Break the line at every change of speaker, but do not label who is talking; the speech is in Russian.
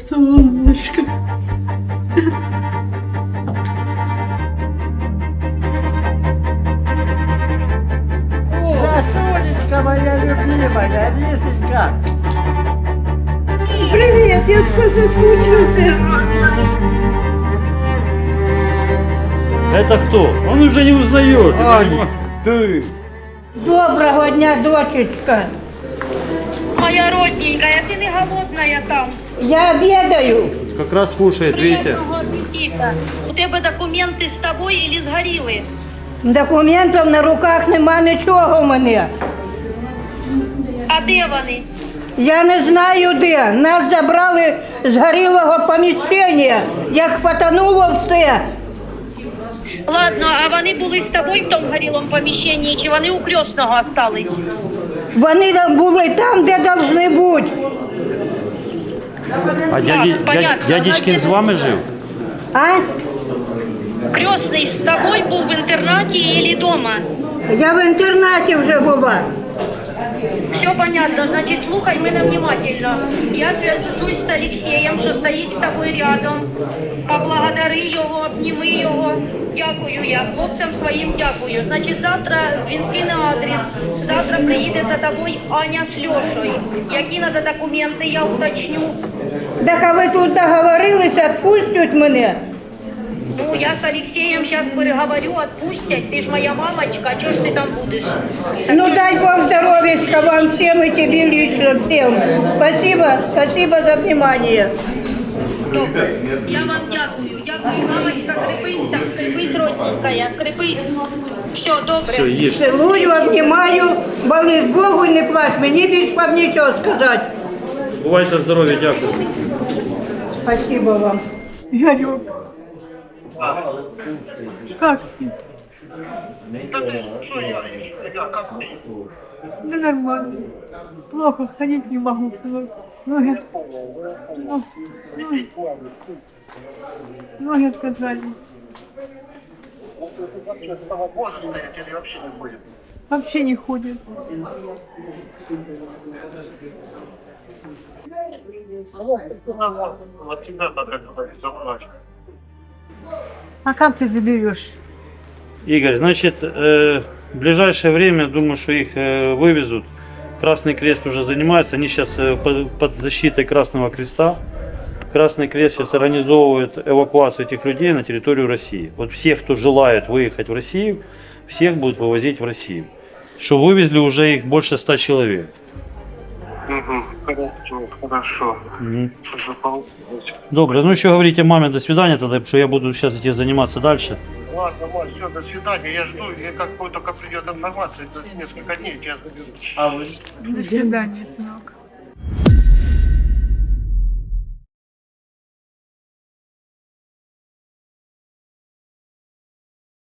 Солнышко.
Красунечка моя любимая, Лизонька.
Привет, я соскучился.
Это кто? Он уже не узнает.
Аня,
ты.
Доброго дня, дочечка.
Моя родненькая, ты не голодная там?
Я обедаю.
Как раз кушает, видите?
Приятного аппетита. У тебе документи з тобою или згоріли?
Документів на руках нема нічого в мене.
А де вони?
Я не знаю де. Нас забрали з горілого поміщення, як хватануло все.
Ладно, а вони були з тобою в тому горілому поміщенні, чи вони у крісного остались?
Вони були там, де повинні бути.
А
понятно.
дядечкин з вами жив?
А?
Крісний з тобою був в інтернаті или дома?
Я в інтернаті вже була.
Все понятно, значит, слухай меня внимательно. Я свяжусь с Алексеем, що стоїть з тобою рядом. Поблагодари його, обніми його. Дякую я, хлопцям своїм дякую. Значить, завтра він скине адрес. Завтра приїде за тобою Аня з Льошою. Які треба документи, я уточню.
Так а ви тут договорилися, відпустять мене?
Ну, я с Алексеем сейчас переговорю, отпустять. Ты ж моя мамочка, а чё ж ты там будешь? Так
Ну
чё ж-
дай Бог здоровья вам всем и тебе лично всем. Спасибо за внимание.
Добре. Я вам дякую. Дякую, мамочка, крепись, родненькая, крепись. Все, добре.
Все, їж.
Целую, обнимаю, молись Богу, не плачь, мне більш вам нічого сказать.
Бувайте здорові, дякую.
Спасибо вам.
Игорек, как ты? Да нормально. Плохо, ходить не могу. Ноги, ноги отказали. Вообще не ходит. А как ты заберешь?
Игорь, значит, в ближайшее время, думаю, что их вывезут. Красный Крест уже занимается, они сейчас под защитой Красного Креста. Красный Крест сейчас организовывает эвакуацию этих людей на территорию России. Вот всех, кто желает выехать в Россию, всех будут вывозить в Россию. Что вывезли уже их больше 100 человек.
Хорошо.
Мгм. Добре, ну еще говорите маме до свидания тогда, потому что я буду сейчас идти заниматься дальше.
Ладно, Маш, все, до свидания. Я жду, и как только придет информация, то несколько дней я тебя заберу.
До свидания, сынок.